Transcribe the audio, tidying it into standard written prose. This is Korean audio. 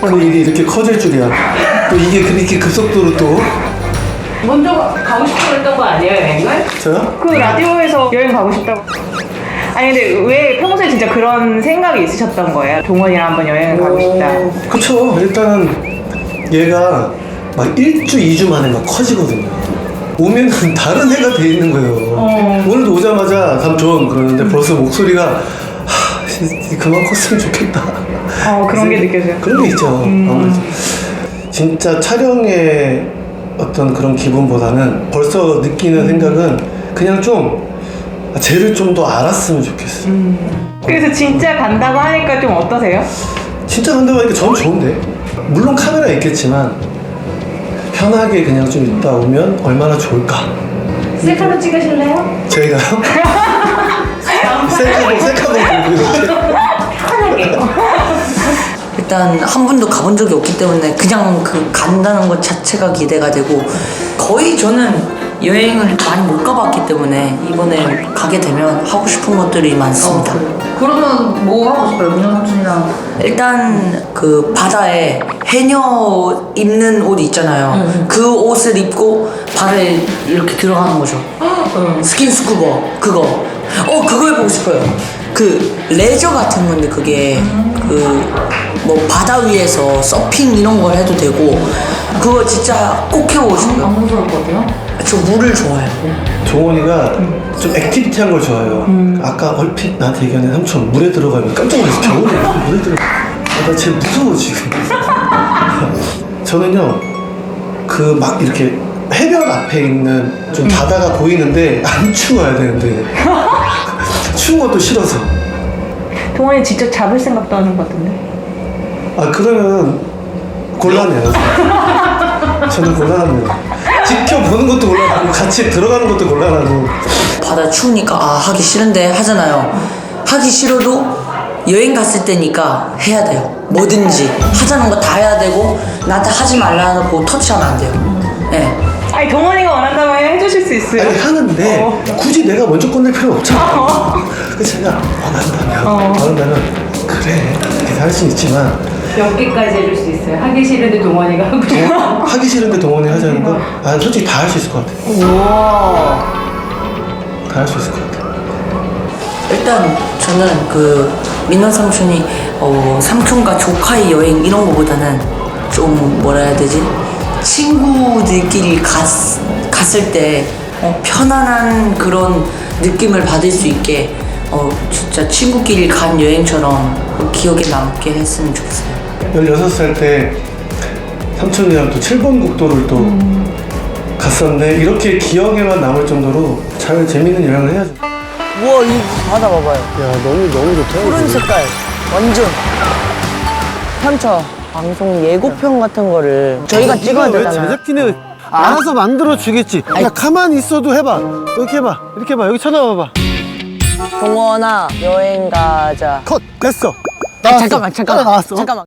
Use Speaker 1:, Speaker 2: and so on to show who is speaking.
Speaker 1: 아니 일이 이렇게 커질 줄이야. 또 이게 그렇게 급속도로 또.
Speaker 2: 먼저 가고 싶다고 했던 거 아니에요, 여행을?
Speaker 1: 저요?
Speaker 3: 그 라디오에서 여행 가고 싶다고. 아니 근데 왜 평소에 진짜 그런 생각이 있으셨던 거예요? 동원이랑 한번 여행을 가고 싶다.
Speaker 1: 그쵸. 일단은 얘가 막 1주, 2주 만에 막 커지거든요. 오면은 다른 애가 돼 있는 거예요. 오늘도 오자마자 삼촌 그러는데 벌써 목소리가 그만 컸으면 좋겠다.
Speaker 3: 그런 게 느껴져요?
Speaker 1: 그런 게 있죠. 아무래도. 진짜 촬영의 어떤 그런 기분보다는 벌써 느끼는 생각은 그냥 좀 쟤를 좀 더 알았으면 좋겠어요.
Speaker 3: 그래서 진짜 간다고 하니까 좀 어떠세요?
Speaker 1: 진짜 간다고 하니까 저는 좋은데. 물론 카메라 있겠지만 편하게 그냥 좀 있다 오면 얼마나 좋을까.
Speaker 2: 셀카로 찍으실래요?
Speaker 1: 저희가요? 셀카봉 들고 이렇게.
Speaker 2: 편하게.
Speaker 4: 일단 한 번도 가본 적이 없기 때문에 그냥 그 간다는 것 자체가 기대가 되고, 거의 저는 여행을 많이 못 가봤기 때문에 이번에 가게 되면 하고 싶은 것들이 많습니다.
Speaker 5: 그러면 뭐 하고 싶어요, 민호 삼촌이랑?
Speaker 4: 일단 그 바다에 해녀 입는 옷 있잖아요. 그 옷을 입고 바다에 이렇게 들어가는 거죠. 스킨스쿠버 그거 그거 해보고 싶어요. 그 레저 같은 건데 그게 그 뭐 바다 위에서 서핑 이런 걸 해도 되고, 그거 진짜 꼭 해보고 싶어요.
Speaker 5: 안 무서울 것 같아요?
Speaker 4: 저 물을 좋아해요.
Speaker 1: 종원이가 좀 액티비티한 걸 좋아해요. 아까 얼핏 나한테 얘기하는 삼촌 물에 들어가면 깜짝 놀랐어. 겨울에 물에 들어가. 나 쟤 무서워 지금. 저는요 그 막 이렇게 해변 앞에 있는 좀 바다가 보이는데 안 추워야 되는데 추운 것도 싫어서.
Speaker 3: 동원이 직접 잡을 생각도 하는 것 같은데.
Speaker 1: 그러면 곤란해요. 저는 곤란합니다. 지켜보는 것도 곤란하고 같이 들어가는 것도 곤란하고.
Speaker 4: 바다 추우니까 하기 싫은데 하잖아요. 하기 싫어도 여행 갔을 때니까 해야 돼요. 뭐든지 하자는 거 다 해야 되고, 나한테 하지 말라고 터치하면 안 돼요. 네.
Speaker 3: 아니 동원이가 원한다면 해주실 수 있어요.
Speaker 1: 아니 하는데 굳이 내가 먼저 꺼낼 필요는 없잖아. 그래서 제가 원한다면 그래 이렇게 할 수는 있지만
Speaker 2: 몇 개까지 해줄 수 있어요? 하기 싫은데 동원이가 하고 싶어.
Speaker 1: 하기 싫은데 동원이 하자는 건 솔직히 다 할 수 있을 것 같아. 다 할 수 있을 것 같아.
Speaker 4: 일단 저는 그 민원 삼촌이 삼촌과 조카의 여행 이런 거보다는 좀 뭐라 해야 되지? 친구들끼리 갔을 때 편안한 그런 느낌을 받을 수 있게 진짜 친구끼리 간 여행처럼 기억에 남게 했으면 좋겠어요.
Speaker 1: 16살 때 삼촌이랑 또 7번 국도를 또 갔었는데 이렇게 기억에만 남을 정도로 잘 재밌는 여행을 해야죠.
Speaker 4: 우와, 이 바다 봐봐요.
Speaker 1: 야 너무 좋다.
Speaker 4: 푸른 색깔 완전. 삼촌 방송 예고편 같은 거를 저희가 찍어야
Speaker 1: 왜
Speaker 4: 되잖아요.
Speaker 1: 제작진이 알아서 만들어 주겠지. 그냥 가만히 있어도 해봐. 이렇게 해봐. 이렇게 해봐. 여기 쳐다봐봐.
Speaker 4: 동원아 여행 가자.
Speaker 1: 컷 됐어.
Speaker 4: 잠깐만
Speaker 1: 나왔어.
Speaker 4: 잠깐만.